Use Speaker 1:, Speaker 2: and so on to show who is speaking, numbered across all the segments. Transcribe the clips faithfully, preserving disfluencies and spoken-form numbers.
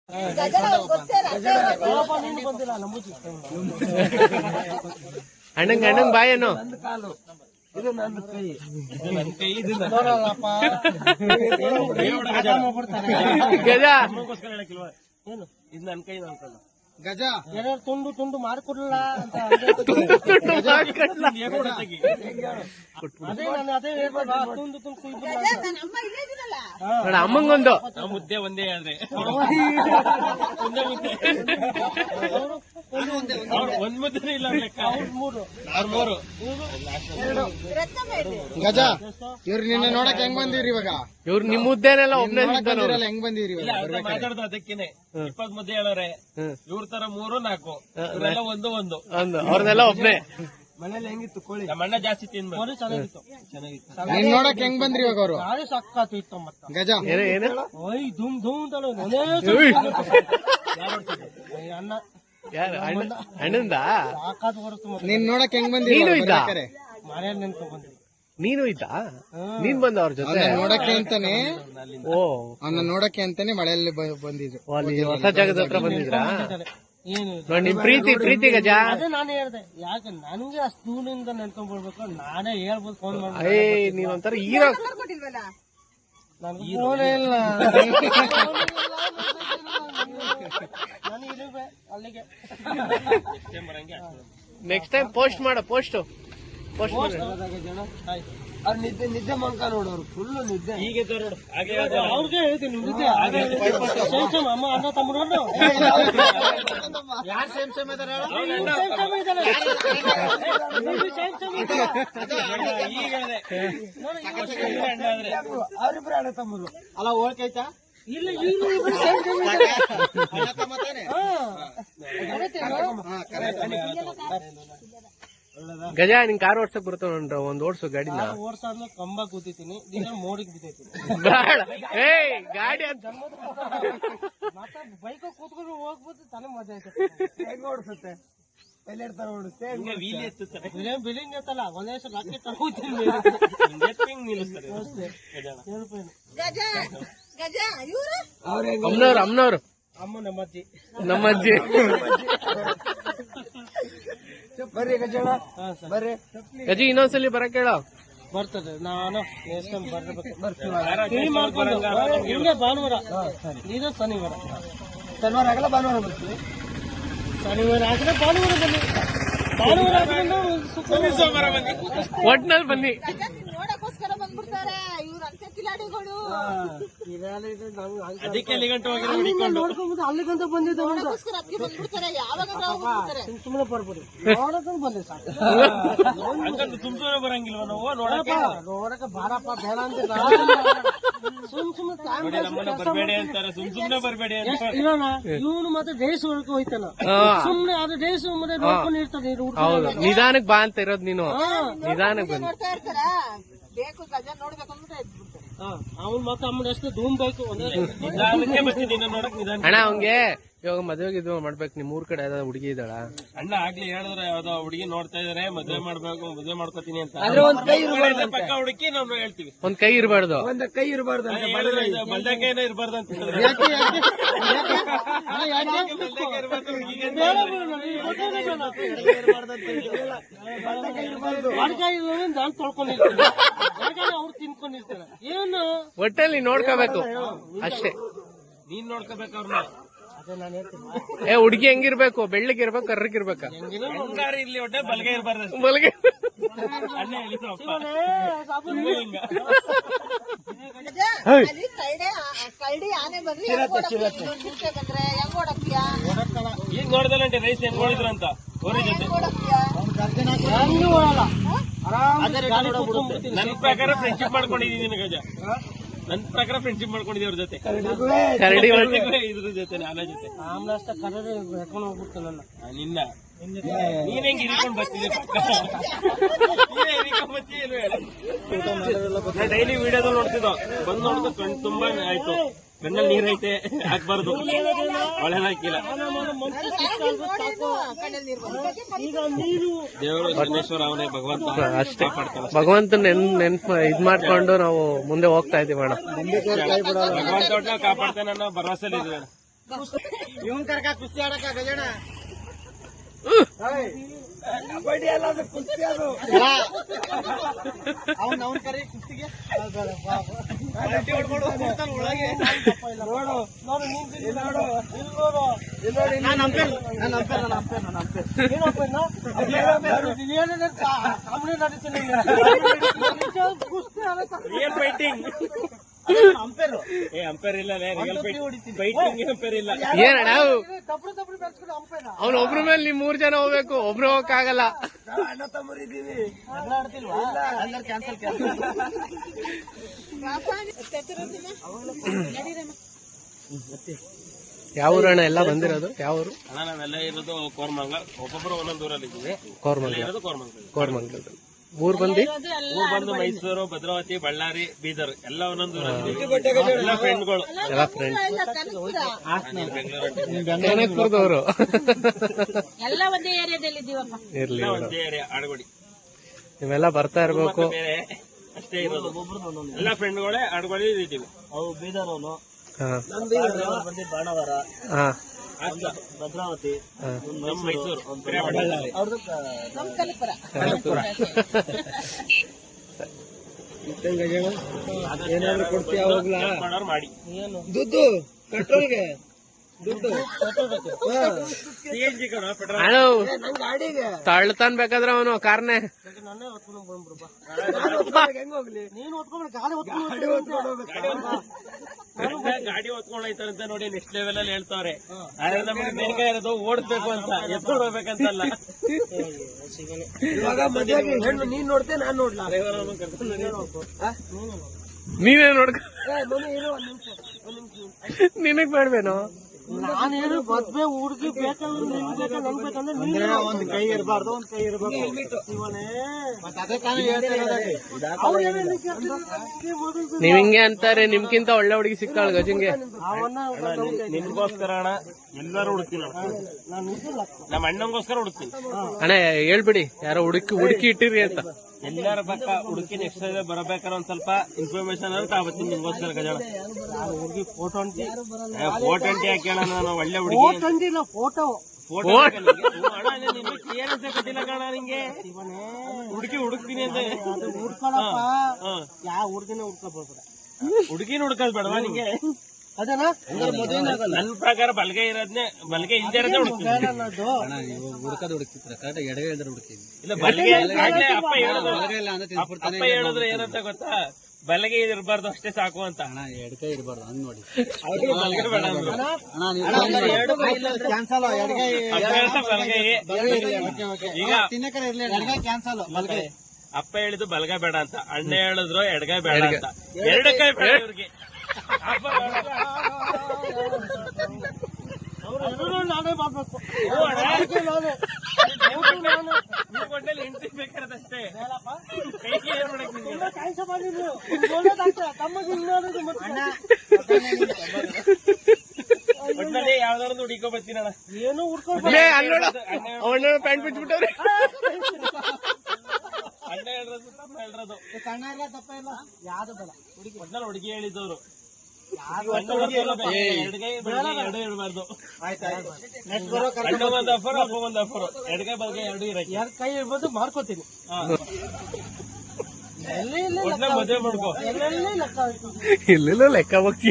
Speaker 1: ಅಣ್ಣಂಗ್ ಅಣ್ಣಂಗ್ ಬಾಯೇನು
Speaker 2: ಇದು ನನ್ನ ಕೈ ಇದು ನನ್ನ ಕೈ ಇದು
Speaker 1: ಗಜ
Speaker 2: ಏನು ಇದು ನನ್ನ ಕೈ ಅನ್ಕೊಳ್ಳ
Speaker 3: ಗಜ
Speaker 2: ಏನಾದ್ರು ತುಂಡು ತುಂಡು ಮಾಡ್ಕೊಡ್ಲಿಲ್ಲ ಅಂತ ಅದೇ ನಾನು ಅದೇ ಹೇಳ್ಬೇಡ ತುಂಡು ತುಂಡು
Speaker 1: ನೋಡ ಅಮ್ಮಂಗೊಂದು
Speaker 2: ಮುದ್ದೆ ಒಂದೇ ಆದ್ರೆ ಒಂದ್ ಮುದ್ದೆ ಇಲ್ಲ ಮೂರು ಅವ್ರ ಮೂರು
Speaker 3: ಗಜ ಇವ್ರು ನಿನ್ನೆ ನೋಡಕ್ ಹೆಂಗ್ ಬಂದಿವ್ರಿ ಇವಾಗ
Speaker 1: ಇವ್ರು ನಿಮ್ ಮುದ್ದೇನೆಲ್ಲ ಒಬ್ನೇ
Speaker 3: ಹೆಂಗ್ ಬಂದಿವ್ರಿ
Speaker 2: ಮಾತಾಡ್ದು ಅದಕ್ಕೇನೆ ಇಪ್ಪತ್ ಮುದ್ದೆ ಹೇಳೋರೆ ಇವ್ರ ತರ ಮೂರು ನಾಲ್ಕು ಇವರೆಲ್ಲ ಒಂದು ಒಂದು
Speaker 1: ಅವ್ರನ್ನೆಲ್ಲ ಒಬ್ನೇ
Speaker 2: ಮನೇಲಿ ಹೆಂಗಿತ್ತು ಕೋಳಿ ನಮ್ಮ ಅಣ್ಣ ಜಾಸ್ತಿ ತಿನ್ಬೋದು ಚೆನ್ನಾಗಿತ್ತು ಚೆನ್ನಾಗಿತ್ತು
Speaker 3: ನೀನ್ ನೋಡಕ್ ಹೆಂಗ್ ಬಂದ್ರಿ ಇವಾಗ ಅವ್ರು
Speaker 2: ನಾಳೆ ಸಕ್ಕಾತು ಇತ್ತು ಮತ್ತ
Speaker 3: ಗಜ
Speaker 1: ಏನ
Speaker 2: ಓಯ್ ಧೂಮ್ ಧೂಮ್ ಅಣ್ಣ
Speaker 1: ಯಾರು ಅಣ್ಣಂದ
Speaker 2: ಸಾಕಾತು ಬರುತ್ತೆ
Speaker 3: ನೀನ್ ನೋಡಕ್ ಹೆಂಗ್ ಬಂದಿ
Speaker 1: ನೀನು ಇದ್ದ
Speaker 2: ಮನೆಯಲ್ಲಿ ನೆನ್ಕೊಂಡ್ ಬಂದ್ವಿ
Speaker 1: ನೀನು ಇದ್ದ ನೀನ್ ಬಂದ ಅವ್ರ ಜೊತೆ
Speaker 3: ನೋಡಕ್ಕೆ ಅಂತಾನೆ
Speaker 1: ಓ
Speaker 3: ಅವನ್ನ ನೋಡಕ್ಕೆ ಅಂತಾನೆ ಮಳೆಯಲ್ಲಿ ಬಂದಿದ್ರು
Speaker 1: ಅಲ್ಲಿ ಹೊಸ ಜಾಗದ ಹತ್ರ ಬಂದಿದ್ರಾ
Speaker 2: ಏನು
Speaker 1: ನೋಡಿ ನಿಮ್ ಪ್ರೀತಿ ಪ್ರೀತಿ ಗಜ
Speaker 2: ಅದೇ ನಾನು ಹೇಳ್ದೆ ಯಾಕೆ ನನ್ಗೆ ಅಷ್ಟು ದೂರದಿಂದ ನೆನ್ಕೊಂಡ್ ಬರ್ಬೇಕು ನಾನೇ ಹೇಳ್ಬೋದು ಫೋನ್ ಮಾಡಿ
Speaker 1: ಏ ನೀವೊಂಥರ ಹೀರೋ
Speaker 2: ನನ್ಗೆ ಫೋನೇ ಇಲ್ಲ ನಾನು ಇರುವೆ ಅಲ್ಲಿಗೆ
Speaker 1: ನೆಕ್ಸ್ಟ್ ಟೈಮ್ ಪೋಸ್ಟ್ ಮಾಡ ಪೋಸ್ಟ್ ಪೋಸ್ಟ್ ಮಾಡ
Speaker 2: ಜನ ಅವ್ರು ನಿದ್ದೆ ನಿದ್ದೆ ಮಂಕ ನೋಡೋರು ಫುಲ್ ನಿದ್ದೆ ಹೀಗೆ ಅವ್ರಿಗೆ ಹೇಳ್ತೀನಿ ನಿದ್ದೆ ಅಮ್ಮ ಅಣ್ಣ ತಮ್ಮರು
Speaker 3: ಯಾರು ಸೇಮ್ ಸೇಮ್ ಇದಾರೆ
Speaker 2: ಅವ್ರಿಬ್ರು ಅಣ್ಣ ತಮ್ಮರು
Speaker 3: ಅಲ್ಲ ಹೋಳ್ಕೈತಾ
Speaker 2: ಇಲ್ಲ ಇವ್ರು
Speaker 1: ಗಜ ನಿನ್ ಕಾರ್ ಓಡ್ಸಕ್ ಬರ್ತಾವ ಒಂದ್ ಓಡ್ಸು ಗಾಡಿನ
Speaker 2: ಓಡ್ಸಾದ್ಮೇಲೆ ಕಂಬ ಕೂತಿದ್ದೀನಿ ದಿನ ಮೋಡಿಗೆ ಬಿದ್ದೈತೀನಿ
Speaker 1: ಬೇಡ ಏ ಗಾಡಿ ಅಂತ
Speaker 2: ಮತ್ತೆ ಬೈಕ್ ಕೂತ್ಕೊಂಡು ಹೋಗ್ಬೋದು ತಾನೇ ಮಜಾ ಆಯ್ತು
Speaker 3: ಹೆಂಗ್ ಓಡಿಸುತ್ತೆ ಎಲ್ಲೆಡ್ತಾರ ಓಡಿಸುತ್ತೆ
Speaker 2: ಬಿಲ್ಡಿಂಗ್ ಎತ್ತಲ್ಲ ಒಂದೇ ಸಲ ಲಾಕಿ ತಗೋತೀನಿ
Speaker 1: ಅಮ್ಮನವ್ರು ಅಮ್ಮನವ್ರು
Speaker 2: ಅಮ್ಮ ನಮ್ಮಜ್ಜಿ
Speaker 1: ನಮ್ಮಜ್ಜಿ
Speaker 3: ಬರ್ರಿ ಗಜಳ ಬರ್ರಿ
Speaker 1: ಗಜಿ ಇನ್ನೊಂದ್ಸಲಿ ಬರಕ್ ಹೇಳ
Speaker 2: ಬರ್ತದೆ ನಾನು ನೆಕ್ಸ್ಟ್ ಟೈಮ್ ಬರ್ಬೇಕು ಮಾಡ್ಕೊಂಡು ಹಿಂಗೆ ಭಾನುವಾರ ಇದು ಶನಿವಾರ
Speaker 3: ಶನಿವಾರ ಆಗಲ್ಲ ಭಾನುವಾರ ಬರ್ತೀವಿ
Speaker 2: ಶನಿವಾರ ಆಗಿದ್ರೆ ಭಾನುವಾರ ಬನ್ನಿ ಭಾನುವಾರ ಆಗಿದ್ರೆ ಸೋಮವಾರ ಬನ್ನಿ
Speaker 1: ಒಟ್ನಲ್ಲಿ ಬನ್ನಿ
Speaker 4: ನೋಡಕ್ಕೋಸ್ಕರ ಬಂದ್ಬಿಡ್ತಾರೆ ಇವ್ರ ಅಂತ ಕಿಲಾಡಿಗಳು
Speaker 2: ಅದಕ್ಕೆ ಅಲ್ಲಿ ಗಂಟೆ ನೋಡ್ಕೊಂಡು ಅಲ್ಲಿಗಂತ ಬಂದಿದ್ದ
Speaker 4: ನೋಡಕ್ಕೋಸ್ಕರ ಅದಕ್ಕೆ ಬಂದ್ಬಿಡ್ತಾರೆ ಯಾವಾಗ ಬಂದ್ಬಿಡ್ತಾರೆ
Speaker 2: ಸುಮ್ಮನೆ ಬರ್ಬೋದು ನೋಡಕ್ ಬಂದೆ ಸಾಕು ಸುಮ್ಮನೆ ಬರಂಗಿಲ್ವ ನಾವು ನೋಡಕ್ಕೆ ನೋಡಕ್ಕೆ ಬಾರಪ್ಪ ಬೇಡ ಅಂತ ಸುಮ್ ಸುಮ್ಮನೆ ಬರ್ಬೇಡಿ ಅಂತಾರೆ ಸುಮ್ ಸುಮ್ನೆ ಬರ್ಬೇಡಿ ಅಂತ ಇರೋಣ ಇವನು ಮತ್ತೆ ಡೇಸ್ ಹೊರಗೆ ಹೋಯ್ತಾನ ಸುಮ್ನೆ ಅದು ಡೇಸ್ ಮತ್ತೆ ನೋಡ್ಕೊಂಡು ಇರ್ತಾನೆ
Speaker 1: ಹೌದು ನಿಧಾನಕ್ ಬಾ ಅಂತ ಇರೋದು ನೀನು ನಿಧಾನಕ್ ಬಂದು
Speaker 4: ನೋಡ್ತಾ ಇರ್ತಾರ ಬೇಕು ಗಜ ನೋಡ್ಬೇಕು ಅಂದ್ಬಿಟ್ಟು ಎದ್ಬಿಡ್ತಾರೆ
Speaker 2: ಅವ್ನು ಮತ್ತೆ ಅಮ್ಮನ ಎಷ್ಟು ಧೂಮ್ ಬೇಕು
Speaker 1: ಅಣ್ಣ ಅವಂಗೆ ಇವಾಗ ಮದ್ವೆಗೆ ಇದು ಮಾಡ್ಬೇಕು ನಿಮ್ ಊರ್ ಕಡೆ ಯಾವ್ದಾದ್ರು ಹುಡುಗಿ ಇದ್ದಾಳ
Speaker 2: ಅಣ್ಣ ಆಗ್ಲಿ ಹೇಳಿದ್ರೆ ಯಾವ್ದೋ ಹುಡುಗಿ ನೋಡ್ತಾ ಇದಾರೆ ಮದ್ವೆ ಮಾಡ್ಬೇಕು ಮದ್ವೆ ಮಾಡ್ಕೋತೀನಿ ಅಂತ ಪಕ್ಕ ಹುಡುಕಿ ನಾವು ಹೇಳ್ತೀವಿ
Speaker 1: ಒಂದ್ ಕೈ ಇರಬಾರ್ದು
Speaker 3: ಒಂದ್ ಕೈ ಇರಬಾರ್ದು
Speaker 2: ಬಲ್ದಕೈನ ಇರಬಾರ್ದು ಅಂತ ನಾನು ತೊಳ್ಕೊಂಡಿರ್ತೀನಿ ಅವ್ರು ತಿನ್ಕೊಂಡಿರ್ತಾರೆ ಏನು
Speaker 1: ಒಟ್ಟಲ್ಲಿ ನೋಡ್ಕೋಬೇಕು ಅಷ್ಟೇ
Speaker 2: ನೀನ್ ನೋಡ್ಕೋಬೇಕು ಅವ್ರನ್ನ
Speaker 1: ಏ ಹುಡುಗಿ ಹೆಂಗಿರ್ಬೇಕು ಬೆಳ್ಳಗಿರ್ಬೇಕು ಕರ್ರಗಿರ್ಬೇಕ
Speaker 2: ಹೆಂಗಾರು ಇರ್ಲಿ ಒಟ್ಟೆ ಬಲ್ಗೆ ಇರಬಾರ್ದು
Speaker 1: ಬಲ್ಗೆ
Speaker 2: ಅಣ್ಣ ಹೇಳಿದ್ರು
Speaker 4: ಕರಡಿ ಆನೆ ಬಂದ್ರೆ ಬಂದ್ರೆ ಹೆಂಗ್ ಓಡಕ್ತಿಯಾ
Speaker 2: ಈಗ ನೋಡ್ದಲ್ಲಂಟೆ ರೈಸ್ ಹೆಂಗ್ ನೋಡಿದ್ರು ಅಂತ ಅವ್ರ ಜೊತೆ ನನ್ ಪ್ರಕಾರ ಫ್ರೆಂಡ್ಶಿಪ್ ಮಾಡ್ಕೊಂಡಿದೀನಿ ಗಜ ನನ್ ಪ್ರಕಾರ ಫ್ರೆಂಡ್ಶಿಪ್ ಮಾಡ್ಕೊಂಡಿದ್ದೀವಿ ಅವ್ರ ಜೊತೆ
Speaker 1: ಕರಡಿ
Speaker 2: ಇದ್ರ ಜೊತೆ ಆನೆ ಜೊತೆ ಆಮೇಲೆ ಅಷ್ಟ ಕರಡಿ ಹೇಳ್ಕೊಂಡು ಹೋಗ್ಬಿಡ್ತು ನನ್ನ ನಿನ್ನ ನೀನ್ ಹೆಂಗ್ ಹಿಡ್ಕೊಂಡ್ ಬರ್ತಿದ್ದೆ ಡೈಲಿ ವಿಡಿಯೋದಲ್ಲಿ ನೋಡ್ತಿದ್ದೋ ಬಂದ್ ನೋಡಿದ ಕಣ್ ತುಂಬಾ ಆಯ್ತು ಕಣ್ಣಲ್ಲಿ ನೀರೈತೆ ಹಾಕ್ಬಾರ್ದು ಒಳ್ಳೆದಾಕಿಲ್ಲ ದೇವರು ಶನೇಶ್ವರ ಅವನೇ ಭಗವಂತ
Speaker 1: ಅಷ್ಟೇ ಭಗವಂತ ನೆನ್ ನೆನ್ಪ್ ಇದ್ ಮಾಡ್ಕೊಂಡು ನಾವು ಮುಂದೆ ಹೋಗ್ತಾ ಇದೀವಿ ಅಣ್ಣ
Speaker 2: ಭಗವಂತ ಕಾಪಾಡ್ತಾನೆ ಅನ್ನೋ ಭರವಸೆ ಇದೆ. ಇವನ್ ಕರ್ಕ ಕುಸ್ತಿ ಆಡಕ ಗಜಣ
Speaker 3: ಕಬಡ್ಡಿ ಅಲ್ಲ ಅದು ಕುಸ್ತಿ ಅದು.
Speaker 2: ಅವ್ನ್ ಅವ್ನ್ ಕರೆ ಕುಸ್ತಿಗೆ ಒಳಗೆ
Speaker 3: ನೋಡು
Speaker 2: ನೋಡು ನೀನ್
Speaker 3: ಇಲ್ಲಿ ನೋಡು
Speaker 2: ಇಲ್ಲಿ ನೋಡು
Speaker 3: ಇಲ್ಲಿ ನೋಡಿ ಇಲ್ಲಿ
Speaker 2: ನಾನು ಅಂಪೇರ್ ನಾನು ಅಂಪೇರ್ ನಾನು ಅಂಪೇರ್ ನಾನು ಅಂಪೇರ್ ಏನು ಅಂಪೇರ್ ಏನೇನು ಕಾಮಿಡಿ ನಡೀತೀನಿ ಕುಸ್ತಿ ರಿಯಲ್ ಫೈಟಿಂಗ್ ಅಂಪೇರ್ ಏ ಅಂಪೇರ್ ಇಲ್ಲ ರಿಯಲ್ ಫೈಟಿಂಗ್ ಅಂಪೇರ್ ಇಲ್ಲ
Speaker 1: ಏನ ನಾವು
Speaker 2: ತಪ್ಪು ತಪ್ಪು ಬೆಳೆಸ್ಕೊಂಡು ಅಂಪೇರ್
Speaker 1: ಅವ್ನ ಒಬ್ರ ಮೇಲೆ ನಿಮ್ ಮೂರ್ ಜನ ಹೋಗ್ಬೇಕು, ಒಬ್ರು ಹೋಗಕ್ಕಾಗಲ್ಲ.
Speaker 3: ನಾವು ಅಣ್ಣ ತಮ್ಮರಿದ್ದೀವಿ.
Speaker 2: ಎಲ್ಲ ಆಡ್ತಿಲ್ವಾ ಎಲ್ಲರೂ ಕ್ಯಾನ್ಸಲ್ ಕ್ಯಾನ್ಸಲ್
Speaker 1: ಯಾವ ಊರಣ್ಣ ಎಲ್ಲ ಬಂದಿರೋದು? ಯಾವ ಊರು?
Speaker 2: ಅಣ್ಣ ನಾವೆಲ್ಲ ಇರೋದು ಕೋರ್ಮಂಗ್ಲ, ಒಬ್ಬೊಬ್ಬರು ಒಂದೊಂದು ಊರಲ್ಲಿ ಇದ್ದೀವಿ.
Speaker 1: ಕೋರ್ಮಂಗ್ಲ.
Speaker 2: ಇರೋದು ಕೋರ್ಮಂಗ್ಲ.
Speaker 1: ಕೋರ್ಮಂಗ್ಲದ ಊರ್ ಬಂದಿ
Speaker 2: ಊರ್ ಬಂದು ಮೈಸೂರು, ಭದ್ರಾವತಿ, ಬಳ್ಳಾರಿ, ಬೀದರ್ ಎಲ್ಲ ಒಂದೊಂದು ಊರಲ್ಲಿ ಎಲ್ಲ ಫ್ರೆಂಡ್ಗಳು
Speaker 1: ಎಲ್ಲ ಫ್ರೆಂಡ್ಸ್
Speaker 2: ಬೆಂಗಳೂರು
Speaker 1: ಕನಕಪುರದವರು.
Speaker 4: ಎಲ್ಲ ಒಂದೇ ಏರಿಯಾದಲ್ಲಿ ಇದ್ದೀವಪ್ಪ.
Speaker 1: ಇರ್ಲಿ
Speaker 2: ಎಲ್ಲ
Speaker 1: ಬಿಡು.
Speaker 2: ಒಂದೇ ಏರಿಯಾ ಆಡುಗೋಡಿ
Speaker 1: ನೀವೆಲ್ಲ ಬರ್ತಾ ಇರ್ಬೇಕು.
Speaker 2: ಬೇರೆ ಅಷ್ಟೇ ಇರೋದು. ಎಲ್ಲ ಫ್ರೆಂಡ್ಗಳೇ ಆಡುಗೋಡಿ ಇದ್ದೀವಿ. ಅವು ಬೀದರ್ ಅವನು
Speaker 1: ಹಾ
Speaker 2: ಬಂದಿ ಬಾಣವರ,
Speaker 1: ಹಾ
Speaker 2: ಭದ್ರಾವತಿ,
Speaker 1: ಹಾ.
Speaker 2: ನಮ್ಮ ಮೈಸೂರು, ಬಳ್ಳಾರಿ ಅವ್ರದ್ದು
Speaker 4: ನಮ್ ಕನಕಪುರ.
Speaker 1: ಕನಕಪುರ.
Speaker 3: ಏನಾದ್ರು ಕೊಡ್ತೀಯ ಹೋಗ್ಲಾ?
Speaker 2: ಮಾಡೋರು ಮಾಡಿ
Speaker 3: ದುಡ್ಡು ಪೆಟ್ರೋಲ್ಗೆ ದುಡ್ಡು
Speaker 2: ಸಿ ಎನ್ ಜಿ ಕಣ ಪೆಟ್ರೋಲ್
Speaker 1: ಅಣ್ಣ
Speaker 3: ನನ್ ಗಾಡಿಗೆ
Speaker 1: ತಳ್ತಾನ್ ಬೇಕಾದ್ರೆ ಅವನು ಕಾರ್ನೆ
Speaker 2: ನನ್ನೇ ಹೊತ್ಕೊಂಡು ಬಂದ್ಬಿಡಪ್ಪ.
Speaker 3: ಹೆಂಗ್ ಹೋಗ್ಲಿ?
Speaker 2: ನೀನು ಹೊತ್ಕೊಂಡು ಗಾಡಿ ಹೊತ್ಕೊಂಡು
Speaker 3: ಗಾಡಿ ಹೊತ್ಕೊಂಡು ಹೋಗ್ಬೇಕು.
Speaker 2: ಗಾಡಿ ಹೊತ್ಕೊಂಡು ಹೋಯ್ತಾರಂತ ನೋಡಿ ನೆಕ್ಸ್ಟ್ ಲೆವೆಲ್ ಅಲ್ಲಿ ಹೇಳ್ತಾವ್ರೆ. ಆದ್ರೆ ನಮ್ಗೆ ಬೇಗ ಇರೋದು ಓಡಿಸ್ಬೇಕು ಅಂತ, ಎತ್ಕೊಂಡು ಹೋಗ್ಬೇಕಂತಲ್ಲ.
Speaker 3: ಇವಾಗ ಮದ್ವೆಗೆ ಹೆಣ್ಣು ನೀನ್ ನೋಡ್ತೆ ನಾನ್ ನೋಡ್ಲಾ? ಆ?
Speaker 1: ನೀನೇ ನೋಡ್ಕ
Speaker 3: ಏ, ಮನೆ ಇರು ಒಂದ್ ನಿಮಿಷ ಒಂದ್ ನಿಮಿಷ.
Speaker 1: ನಿನಗ್ ಬೇಡ್ವೇನೋ?
Speaker 2: ನಾನೇನು ಮದ್ವೆ ಹುಡುಗಿ ಬೇಕಂದ್ರೆ ನಿನ್ ಬೇಕಾ ನನ್ ಬೇಕಂದ್ರೆ ಒಂದ್ ಕೈ ಇರಬಾರ್ದು, ಒಂದ್ ಕೈ ಇರಬೇಕು.
Speaker 1: ನೀವ್ ಹಿಂಗೆ ಅಂತಾರೆ, ನಿಮ್ಗಿಂತ ಒಳ್ಳೆ ಹುಡುಗಿ ಸಿಕ್ಕಾಳ ಗಜಂಗೆ.
Speaker 2: ನಿನ್ಗೋಸ್ಕರ ಅಣ್ಣ ಎಲ್ಲರೂ ಹುಡುಕ್ತೀನಿ. ನಮ್ಮ ಅಣ್ಣಂಗೋಸ್ಕರ ಹುಡುಕ್ತೀನಿ.
Speaker 1: ಅಣ್ಣ ಹೇಳ್ಬಿಡಿ, ಯಾರೋ ಹುಡುಕಿ ಹುಡುಕಿ ಇಟ್ಟಿರಿ ಅಂತ.
Speaker 2: ಎಲ್ಲರ ಪಕ್ಕ ಹುಡುಕಿ ನೆಕ್ಸ್ಟ್ ಬರಬೇಕಾದ್ರೆ ಒಂದ್ ಸ್ವಲ್ಪ ಇನ್ಫಾರ್ಮೇಶನ್ ಅಂತ ತಾವತ್ತೀನಿ ನಿಮ್ಗೋಸ್ಕರ ಗಜಾಣ. ಹುಡುಗಿ ಫೋಟೋ ಅಂಟಿ ಫೋಟೋ ಅಂಟಿ ಹಾಕೋಣ. ನಾನು ಒಳ್ಳೆ ಹುಡುಗಿ ಫೋಟೋ ಫೋಟೋ ಕ್ಲಿಯರೆನ್ಸ್ ಕೊಟ್ಟಿಲ್ಲ ಕಾಣ ನಿಂಗೆ. ಹುಡುಗಿ ಹುಡುಕ್ತೀನಿ ಅಂತ ಯಾವ ಹುಡುಗಿನ ಹುಡ್ಕೋಬೋದ? ಹುಡುಗಿನ ಹುಡ್ಕೋದ್ ಬೇಡವಾ ನಿಂಗೆ? ಅದೇನಾ ನನ್ ಪ್ರಕಾರ ಬಲ್ಗೆ ಇರೋದ್ನೇ, ಬಲ್ಗೆ ಇಲ್ದೇ ಇರೋದೇ ಹುಡುಕ್ತೀನಿ.
Speaker 3: ಹುಡುಕದ ಹುಡುಕ್ತಿದ್ರ ಕರೆಕ್ಟ್ ಎಡಗೈ ಇಲ್ದ್ರೆ ಹುಡುಕ್ತೀನಿ.
Speaker 2: ಇಲ್ಲ ಬಲ್ಗೆ ಆಗ್ಲೇ ಅಪ್ಪ ಹೇಳಿದ್ರು, ಅಪ್ಪ ಹೇಳಿದ್ರು ಏನಂತ ಗೊತ್ತಾ, ಬಲಗೆ ಇರಬಾರ್ದು ಅಷ್ಟೇ ಸಾಕು ಅಂತ.
Speaker 3: ಅಣ್ಣ ಎಡಗೈ ಇರಬಾರ್ದು ಹಂಗ್ ನೋಡಿ.
Speaker 2: ಬಲಗೆ ಬೇಡ ಅಂದ್ರು.
Speaker 3: ಕ್ಯಾನ್ಸಲ್
Speaker 2: ಅಪ್ಪ ಹೇಳ್ತಾ ಬಲಗೈ. ಈಗ
Speaker 3: ಕ್ಯಾನ್ಸಲ್
Speaker 2: ಅಪ್ಪ ಹೇಳಿದ್ದು ಬಲಗೈ ಬೇಡ ಅಂತ, ಅಣ್ಣ ಹೇಳಿದ್ರು ಎಡಗೈ ಬೇಡ ಅಂತ. ಎರಡು ಕೈ ಬೇಡ ಇವ್ರಿಗೆ. ನಾನೇ ಮಾಡ್ಬೇಕು. ಒಟ್ಟಲ್ಲಿ ಹೆಂಡತಿ ಬೇಕಾರದಷ್ಟೇ. ಕೈಗೆ ಏನ್ ಮಾಡಕ್ ಒಟ್ಟಲ್ಲಿ ಯಾವ್ದಾದ್ರು ಹುಡುಕೋ ಬರ್ತೀನಣ್ಣ. ಏನು
Speaker 1: ಅವನ ಪ್ಯಾಂಟ್ ಬಿಟ್ಬಿಟ್ಟವ್ರೆ.
Speaker 2: ಅಣ್ಣ ಹೇಳಿರೋದು ತಮ್ಮ ಹೇಳಿರೋದು ಸಣ್ಣ ಇಲ್ಲ ತಪ್ಪ ಇಲ್ಲ ಯಾವ್ದು ಬೇಡ. ಹುಡುಗಿ ಒಟ್ಟಲ್ಲಿ ಹುಡುಗಿ ಹೇಳಿದವರು ಎಡಗೈ ಎರಡು ಇರಬಾರ್ದು. ಅಣ್ಣ ಒಂದ್ ಆಫರ್, ಅಪ್ಪ ಒಂದ್ ಆಫರ್, ಎಡಗೈ ಬಲ್ಗೈ ಎರಡು ಇರಕ್ಕೆ ಎರಡು ಕೈ ಇರ್ಬೋದು. ಮಾಡ್ಕೋತೀನಿ. ಮದುವೆ ಮಾಡ್ಕೋ.
Speaker 1: ಇಲ್ಲೆಲ್ಲ ಲೆಕ್ಕ ಹೋಗ್ತೀವಿ.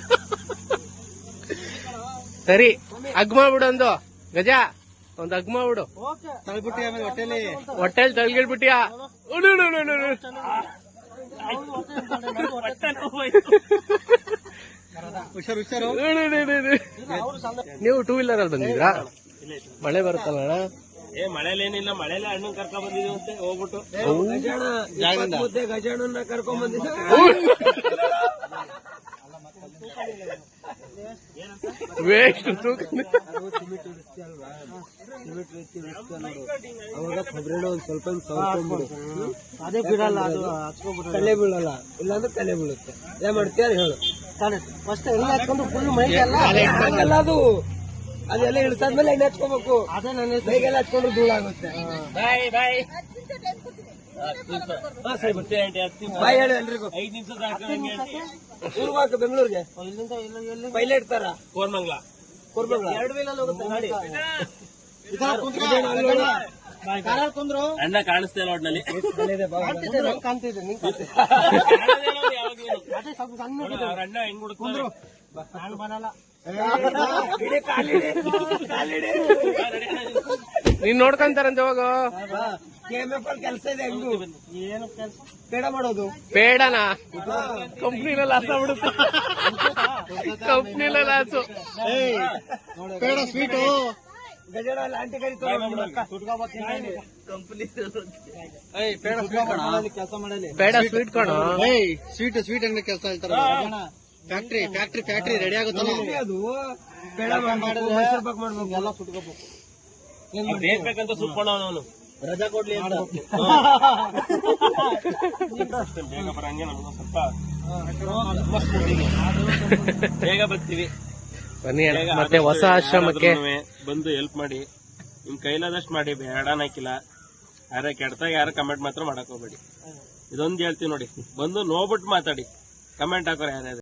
Speaker 1: ಸರಿ, ಅಗ್ ಮಾಡ್ಬಿಡು ಒಂದು ಗಜ, ಒಂದ್ ಅಗ್ ಮಾಡ್ಬಿಡು.
Speaker 3: ತಳ್ಬಿಟ್ಟಿ ಆಮೇಲೆ ಹೊಟ್ಟೆಲಿ
Speaker 1: ಹೊಟ್ಟೆಲ್ ತಳ್ಗಿಳ್ಬಿಟ್ಟಿಯಾ?
Speaker 3: ಹುಷಾರು ಹುಷಾರು.
Speaker 1: ನೀವು ಟೂ ವೀಲರ್ ಅಲ್ಲಿ ಬಂದಿದ್ರಾ? ಮಳೆ ಬರುತ್ತಲ್ಲ ಅಣ್ಣ?
Speaker 2: ಏ ಮಳೆಲೇನಿಲ್ಲ, ಮಳೆಲೆ ಹಣ್ಣು ಕರ್ಕೊಂಡ್ ಬಂದಿದ್ದೀವಿ ಅಂತ ಹೋಗ್ಬಿಟ್ಟು.
Speaker 3: ಗಜಾಣ ಮುದ್ದೆ ಗಜಾಣನ್ನ ಕರ್ಕೊಂಡ್ ಬಂದಿದ್ದ.
Speaker 1: ವೇಸ್ಟ್
Speaker 3: ಅವಾಗ ಕೊಬ್ಬರಿ ಒಂದ್ ಸ್ವಲ್ಪ
Speaker 2: ಅದೇ ಬಿಡಲ್ಲ, ಅದು
Speaker 3: ತಲೆ ಬೀಳಲ್ಲ, ಇಲ್ಲಾಂದ್ರೆ ತಲೆ ಬೀಳುತ್ತೆ. ಏನ್ ಮಾಡ್ತೀಯ ಹೇಳು.
Speaker 2: ಫಸ್ಟ್ ಎಲ್ಲ ಹಾಕೊಂಡು ಫುಲ್ ಮೈ ಎಲ್ಲ
Speaker 3: ಅಲ್ಲ ಅದು ಅದೆಲ್ಲ ಇಳಿಸಾದ್ಮೇಲೆ ಎಣ್ಣೆ ಹಚ್ಕೋಬೇಕು.
Speaker 2: ಅದೇ ನನ್ನ
Speaker 3: ಮೈಗೆಲ್ಲ ಹಚ್ಕೊಂಡ್ರೆ ಧೂಳಾಗುತ್ತೆ.
Speaker 2: ಬಾಯ್ ಬಾಯ್ ಬಾಯ್ ಹೇಳಿ ಎಲ್ರಿಗೂ. ಐದ್ ನಿಮಿಷ ಸಾಕು.
Speaker 3: ಊರ್ಗ್ ಹಾಕ ಬೆಂಗಳೂರಿಗೆ
Speaker 2: ಇಲ್ಲಿಂದ
Speaker 3: ಪೈಲಟ್ ತರ
Speaker 2: ಕೋರ್ಮಂಗ್ಲ
Speaker 3: ಎರಡು ವೀಲಲ್ಲಿ ಹೋಗುತ್ತೆ ಗಾಡಿ ಕುಂದ್ರು
Speaker 2: ಅಣ್ಣ ಕಾಣಿಸ್ತಾ ಇಲ್ಲ ಒಟ್ನಲ್ಲಿ
Speaker 3: ಕಾಣ್ತಿದೆ ನಿಂಗೆ ಅದೇ ಸ್ವಲ್ಪ ಸಣ್ಣ
Speaker 2: ಅವ್ರ ಅಣ್ಣ ಹೆಂಗ್ ಹುಡುಕ್ತಾರೆ
Speaker 3: ನಾನು ಬರಲ್ಲ
Speaker 1: ನೀನ್ ನೋಡ್ಕೊಂತಾರಂತೆ ಹೋಗು.
Speaker 3: ಕೆಲಸ ಇದೆ ಹೆಂಗು ಏನು ಕೆಲಸ ಬೇಡ ಮಾಡೋದು
Speaker 1: ಬೇಡನಾ ಕಂಪ್ನಿನಲ್ಲಿ ಲಾಸ್ ಆಗ್ಬಿಡುತ್ತೆ. ಕಂಪ್ನಿಲ ಲಾಸು.
Speaker 3: ಬೇಡ ಸ್ವೀಟು ಗಜಡ ಆಂಟಿ ಕರಿ ಕೆಲಸ ಮಾಡಲಿ
Speaker 1: ಬೇಡ ಸ್ವೀಟ್ ಕಣೋ.
Speaker 3: ಸ್ವೀಟ್ ಸ್ವೀಟ್ ಅಂಗಡಿ ಕೆಲಸ ಹೇಳ್ತಾರ ಫ್ಯಾಕ್ಟ್ರಿ ಫ್ಯಾಕ್ಟ್ರಿ ಫ್ಯಾಕ್ಟ್ರಿ ರೆಡಿ ಆಗುತ್ತಲ್ಲ ಅದು ಬೇಡ ಮೈಸೂರು ಪಾಕ್ ಮಾಡ್ಬೇಕು ಎಲ್ಲ ಸುಟ್ಕೋಬೇಕು
Speaker 2: ಬೇಕಂತ ಸುಟ್ಕೊಂಡ ಅವನು
Speaker 3: ರಜಾ ಕೊಡ್ಲಿ ಅಂತ
Speaker 2: ಬೇಗ ಬರಂಗೆ ನಮ್ಗೆ ಸ್ವಲ್ಪ ಬೇಗ ಬರ್ತೀವಿ.
Speaker 1: ಬನ್ನಿ ಅಣ್ಣ,
Speaker 2: ಬೇಗ
Speaker 1: ಮತ್ತೆ ಹೊಸ ಆಶ್ರಮಕ್ಕೆ
Speaker 2: ಯಾರಾದ್ರೂನುವೆ ಬಂದು ಹೆಲ್ಪ್ ಮಾಡಿ, ನಿಮ್ ಕೈಲಾದಷ್ಟು ಮಾಡಿ. ಬೇಡ ನಾಕಿಲ್ಲ ಯಾರ ಕೆಡ್ತಾಗ ಯಾರು ಕಮೆಂಟ್ ಮಾತ್ರ ಮಾಡಕ್ ಹೋಗ್ಬೇಡಿ. ಇದೊಂದು ಹೇಳ್ತೀವಿ ನೋಡಿ, ಬಂದು ನೋಡ್ಬಿಟ್ಟು ಮಾತಾಡಿ, ಕಮೆಂಟ್ ಹಾಕೋರು ಯಾರ್ಯಾರು.